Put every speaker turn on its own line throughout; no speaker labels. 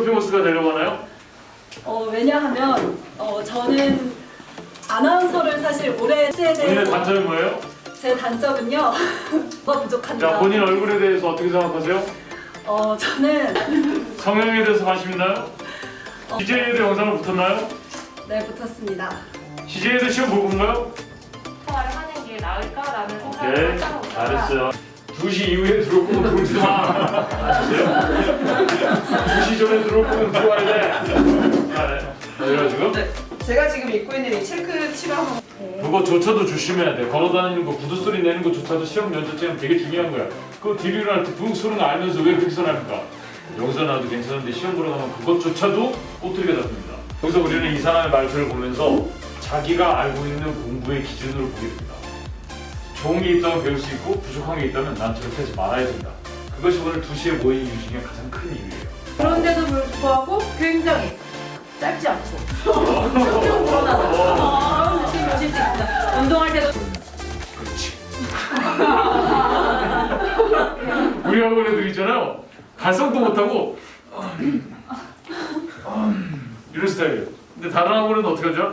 서핑호스가 되려고 하나요?
왜냐하면 저는 아나운서를 사실 오래 했에
본인의
대해서
단점이 뭐예요?
제 단점은요. 뭐가 부족합니다.
자, 본인 얼굴에 대해서 어떻게 생각하세요?
저는
성형에 대해서 관심 있나요? CJ에도 영상을 붙었나요?
네, 붙었습니다.
CJ에도 시험 볼 건가요?
통화를 하는 게 나을까라는
오케이,
생각을 하고 있다가
잘했어요. 2시 이후에 들어올 거면 들어오지 마. 아셨어요? 2시 전에 들어올 거면 들어와야 돼. 잘해. 그래가지고
네, 제가 지금 입고 있는 이 체크 치마하고
그거조차도 조심해야 돼. 걸어다니는 거, 구두 소리 내는 거조차도 시험 면접장은 되게 중요한 거야. 그거 뒤로 일어날 때 부흥 소리는 알면서 왜 그렇게 선합니까? 여기서 나도 괜찮은데 시험 보러 가면 그것조차도 꼬투리가 잡힙니다. 여기서 우리는 이 사람의 말투를 보면서 자기가 알고 있는 공부의 기준으로 보게 됩니다. 좋은 게 있다면 배울 수 있고 부족한 게 있다면 난 저렇게 하지 말아야 된다. 그것이 오늘 2시에 모인 이유 중에 가장 큰 이유예요.
그런데도 불구하고 굉장히 짧지 않고 쭉 늘어나서 느낌이 오실 수 있습니다. 운동할 때도
그렇지. 우리 학원 애들 있잖아요. 발성도 못하고 이런 스타일이에요. 근데 다른 학원은 어떻게 하죠?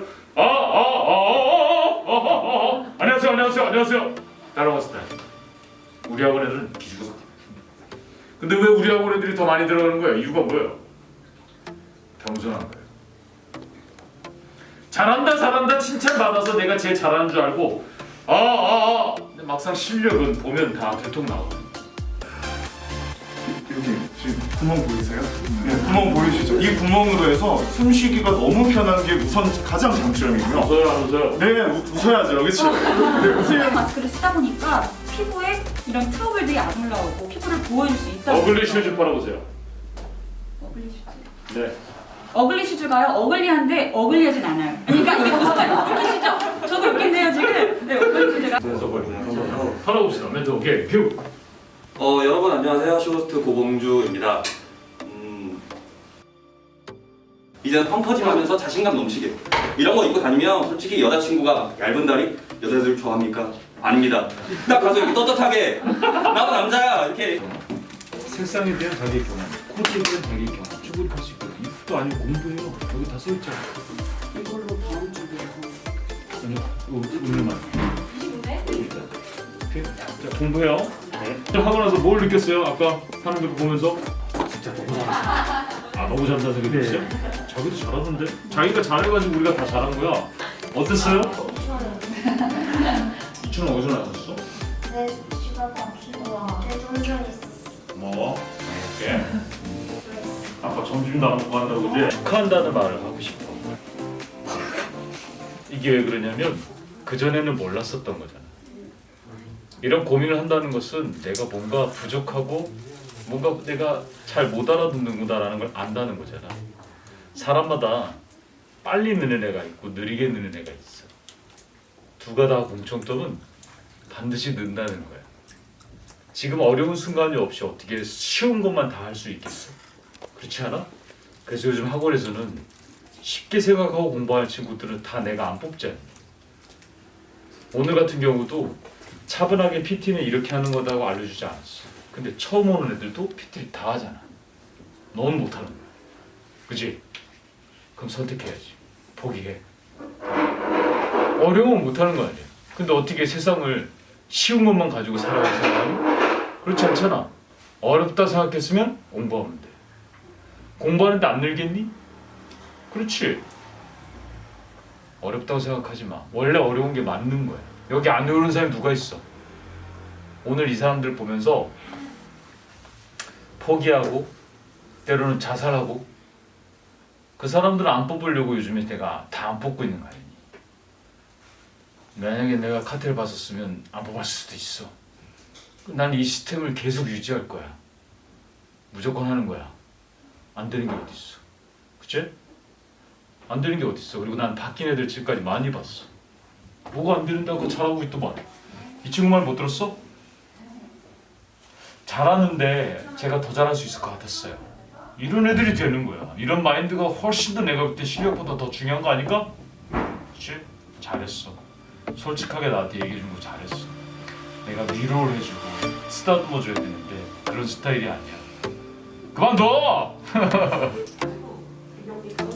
안녕하세요. 다른 학원 스타일. 우리 학원 애들은 기죽어 섞여. 근데 왜 우리 학원 애들이 더 많이 들어가는 거예요? 이유가 뭐예요? 겸손한 거예요. 잘한다 칭찬받아서 내가 제일 잘하는 줄 알고 근데 막상 실력은 보면 다 들통 나오거든요.
여기 지금 구멍 보이세요? 네, 구멍 보이시죠? 이 구멍으로 해서 숨쉬기가 너무 편한 게 우선 가장 장점이고요.
웃어요 안 웃어요?
네, 웃어야죠, 그렇죠? 네, 웃으면
마스크를 쓰다 보니까 피부에 이런 트러블들이 안 올라오고 피부를 보호해줄 수 있다고.
어글리 슈즈 팔아보세요.
어글리 슈즈.
네.
어글리 슈즈가요? 어글리한데 어글리하진 않아요. 그러니까 이게 무슨 어글리시죠? 저도 웃긴데요 지금. 네, 어글리 슈즈가.
그래서 팔아봅시다. 멘트 오케이 뷰.
여러분 안녕하세요. 쇼호스트 고봉주입니다. 이제는 펑퍼짐하면서 자신감 넘치게 이런 거 입고 다니면 솔직히 여자친구가 얇은 다리 여자들 좋아합니까? 아닙니다. 딱 가서 이렇게 떳떳하게 나도 남자야 이렇게.
색상에 대한 자기 경험, 코디에 대한 자기 경험, 쭈구리 할수 있고 이것도 아니고 공부해요. 여기 다 써있잖아.
이걸로 다음 주에
아니요, 오늘만. 오케이. 자 공부해요. 네. 하고 나서 뭘 느꼈어요? 아까 하는 거 보면서 진짜 너무 잘했어. 너무 잘한다 생각했어요? 자기도 잘하던데? 자기가 잘해가지고 우리가 다 잘한 거야. 어땠어요? 2,000원 어디서 나왔어?
내 집앞 앞으로 내 동전 있었어.
뭐? 이렇게. 아빠 점심도 안 먹고 한다고 그지? 축하한다는 말을 하고 싶어. 이게 왜 그러냐면 그전에는 몰랐었던 거잖아. 이런 고민을 한다는 것은 내가 뭔가 부족하고 뭔가 내가 잘 못 알아듣는구나라는 걸 안다는 거잖아. 사람마다 빨리 느는 애가 있고 느리게 느는 애가 있어. 두가 다 공통점은 반드시 는다는 거야. 지금 어려운 순간이 없이 어떻게 쉬운 것만 다 할 수 있겠어? 그렇지 않아? 그래서 요즘 학원에서는 쉽게 생각하고 공부하는 친구들은 다 내가 안 뽑지 않니? 오늘 같은 경우도 차분하게 PT는 이렇게 하는 거다고 알려주지 않았어. 근데 처음 오는 애들도 PT를 다 하잖아. 넌 못하는 거야. 그지? 그럼 선택해야지. 포기해. 어려우면 못하는 거 아니야. 근데 어떻게 세상을 쉬운 것만 가지고 살아가는 사람은? 그렇지 않잖아. 어렵다 생각했으면 공부하면 돼. 공부하는데 안 늘겠니? 그렇지. 어렵다고 생각하지 마. 원래 어려운 게 맞는 거야. 여기 안 외우는 사람이 누가 있어? 오늘 이 사람들 보면서 포기하고 때로는 자살하고 그 사람들은 안 뽑으려고 요즘에 내가 다 안 뽑고 있는 거 아니니? 만약에 내가 카테를 봤었으면 안 뽑았을 수도 있어. 난 이 시스템을 계속 유지할 거야. 무조건 하는 거야. 안 되는 게 어디 있어? 그치? 안 되는 게 어디 있어? 그리고 난 바뀐 애들 지금까지 많이 봤어. 뭐가 안 되는다고 잘하고 있더만. 이 친구 말 못 들었어? 잘하는데 제가 더 잘할 수 있을 것 같았어요. 이런 애들이 되는 거야. 이런 마인드가 훨씬 더 내가 볼 때 실력보다 더 중요한 거 아닐까? 그치? 잘했어. 솔직하게 나한테 얘기해 준 거 잘했어. 내가 위로를 해주고 쓰다듬어 줘야 되는데 그런 스타일이 아니야. 그만둬.